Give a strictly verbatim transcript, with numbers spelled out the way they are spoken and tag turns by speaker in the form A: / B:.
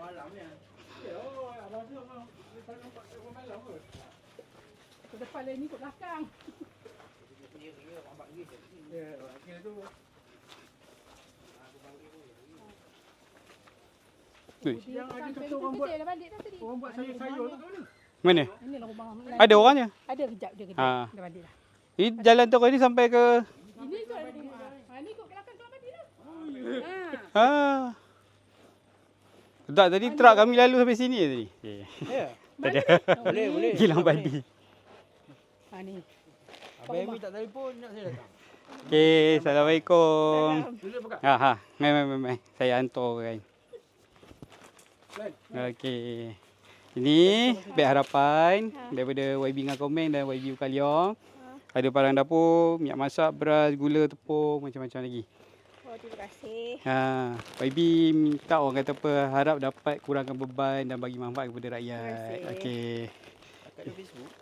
A: malam ni. Ya, oh, abang tu memang tak nampak orang malam ke?
B: Ke depan lain ni, ke belakang.
A: Ya, ya, nampak lagi. Ya, kira tu.
C: Ui.
A: Yang ada satu orang buat,
B: Dia balik dah tadi.
A: orang buat sayur-sayur tu mana?
C: Mana?
B: Ini lah rumah.
C: Ada orangnya?
B: Ada kejap dia kejap.
C: Ha.
B: Dah balik dah.
C: Ini jalan tu ni sampai ke...
B: Ini tu ada rumah. Ha, ni kot belakang keluar balik dah.
C: Ha. Tak, tadi truk kami lalu sampai sini tadi. Eh.
A: Ya.
C: Tadi.
A: Boleh, boleh.
C: Gilang babi.
B: Ha ni.
A: Abang Amy tak telefon nak saya datang.
C: Okey, Assalamualaikum.
A: Duduk buka.
C: Ha ha, mai mai mai mai. Saya hantar kan.
A: Baik.
C: Okey. Ini Beg Harapan daripada Y B dengan Komeng dan Y B Ukaliong. Ada barang dapur, minyak masak, beras, gula, tepung, macam-macam lagi.
B: Oh, terima kasih.
C: Ha, Y B minta orang kata apa, harap dapat kurangkan beban dan bagi manfaat kepada rakyat.
B: Terima kasih.
C: Okey.
A: Kat Facebook.